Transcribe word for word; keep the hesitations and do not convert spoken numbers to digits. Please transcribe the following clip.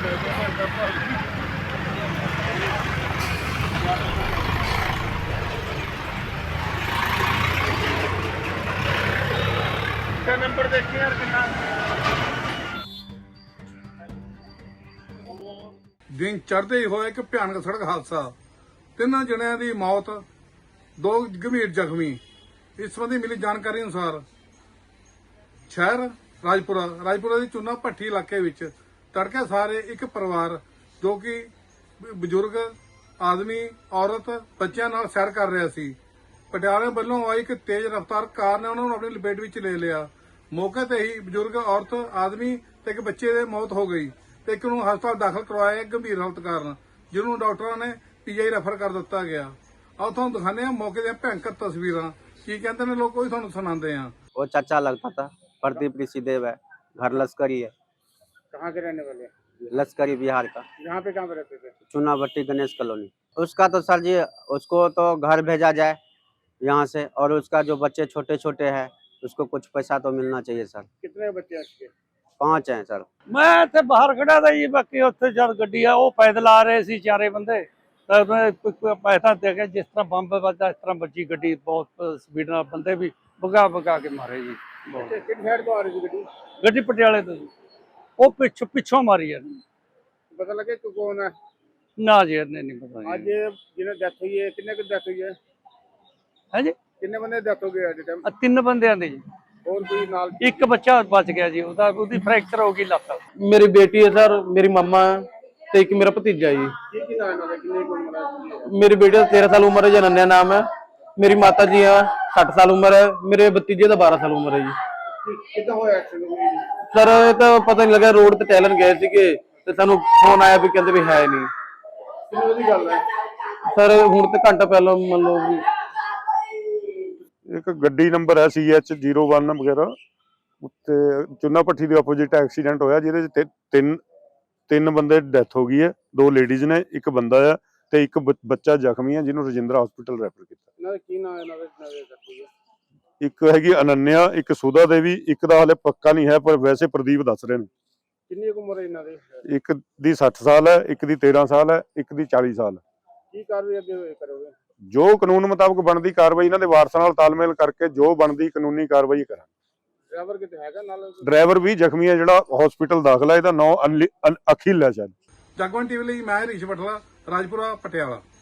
Number देखिए यार कितना दिन चढ़ते ही होया एक भयानक सड़क हादसा ਤਿੰਨਾਂ ਜਣਿਆਂ ਦੀ मौत दो गंभीर जख्मी। इस संबंधी मिली जानकारी अनुसार शहर राजपुरा राजपुरा की चूना भट्टी इलाके विच तड़के सारे एक परिवार जो कि बजुर्ग आदमी औरत बच्चों नाल सैर कर रहा सी। पटियाले वालों आई एक तेज रफ्तार कार ने उन्होंने अपनी लपेट विच ले लिया। मौके ते ही बजुर्ग औरत आदमी ते एक बच्चे की मौत हो गई ते एक नूं हस्पताल दाखिल करवाया गंभीर हालत कारण, जिन्होंने डॉक्टरों ने पीजीआई रेफर कर दिता गया। आओ तुहानूं दिखाने हैं मौके दी भयंकर तस्वीरां की कहते हैं लोग, वही तुहानूं सुणाते हैं। वो चाचा लगता था, प्रदीप ऋषिदेव है, घर लश्करी है। कहाँ के रहने वाले? लश्करी बिहार का। यहाँ पे कहाँ पे रहते थे? चुना भट्टी गणेश कॉलोनी। उसका तो सर जी उसको तो घर भेजा जाए यहाँ से, और उसका जो बच्चे छोटे छोटे हैं उसको कुछ पैसा तो मिलना चाहिए सर। कितने बच्चे हैं इसके? पांच हैं सर। मैं इत्थे बाहर खड़ा था जी, बाकी उत्थे जद गड्डी है वो पैदल आ रहे सी चारे बंदे, तो मैं पैसा दे के जिस तरह बंब बजा इस तरह बची गड्डी, बहुत स्पीड नाल बंदे भी भगा भगा के मारे जी। किस साइड तो आ रही थी गड्डी? गड्डी पटियाले तो जी वो पिछों पिछों मारी है। पता लगे कि कौन है? ना जी नहीं नहीं पता आज जिन्हें डेथ हुई है कितने की डेथ हुई है? है जी कितने बंदे डेथ हो गए आज टाइम? आ तीन बंदे आंदे जी, और कोई नाल? एक बच्चा बच गया जी, ਉਹਦਾ ਉਹਦੀ फ्रैक्चर हो गई ਲੱਤ। मेरी बेटी है सर, मेरी मम्मा है ते एक मेरा भतीजा जी। की की नाम है? कितने की उम्र है? मेरी बेटी का तेरह साल उम्र है, जनन्या नाम है। मेरी माता जी है, सठ साल उम्र है। मेरे भतीजे का बारह साल उम्र है जी। कितना होया एक्सीडेंट? सर ये तो पता नहीं लगा, रोड ते टहलन गए थे ते सानू फोन आया भी कहते भी है नहीं। कितने बजे गल है? सर हुण ते घंटा पहले मान लो भी एक गड्डी नंबर है सी एच जीरो वन वगैरह उत्ते चुना भट्टी के ओपोजिट एक्सीडेंट होया, जिहदे च तीन तीन बंदे डेथ हो गई है, दो लेडीज ने, एक बंदा है ते एक बच्चा जख्मी है जिन्होंने रजिंद्रा हॉस्पिटल रेफर किया। ਇਹਨਾਂ ਦਾ ਕੀ ਨਾਮ ਹੈ? ਇਹਨਾਂ ਦੇ ਇਹਨਾਂ ਦੇ death ਹੋਈ ਹੈ? एक हैगी अनन्या, एक सुधा देवी, एक दा हाले पक्का नहीं है पर वैसे प्रदीप दस रहे हैं। ਕਿੰਨੀ ਕੁ ਉਮਰ ਹੈ ਇਹਨਾਂ ਦੀ? एक दी सठ साल है, एक दी तेरह साल है, एक दी चालीस साल। ਕੀ ਕਾਰਵਾਈ ਅੱਗੇ ਹੋਏ ਕਰੋਗੇ? जो कानून मुताबिक बनती कार्रवाई इन्हां दे वारसां नाल तालमेल करके जो बनती कानूनी कार्रवाई करा। ਡਰਾਈਵਰ ਕਿਤੇ ਹੈਗਾ ਨਾਲ? ड्राइवर भी जख्मी है, जिहड़ा हॉस्पिटल दाखिल है, इहदा नाम अखिल है शायद। जगवन टीवी ਲਈ मैं हरीश बटला, राजपुरा पटियाला।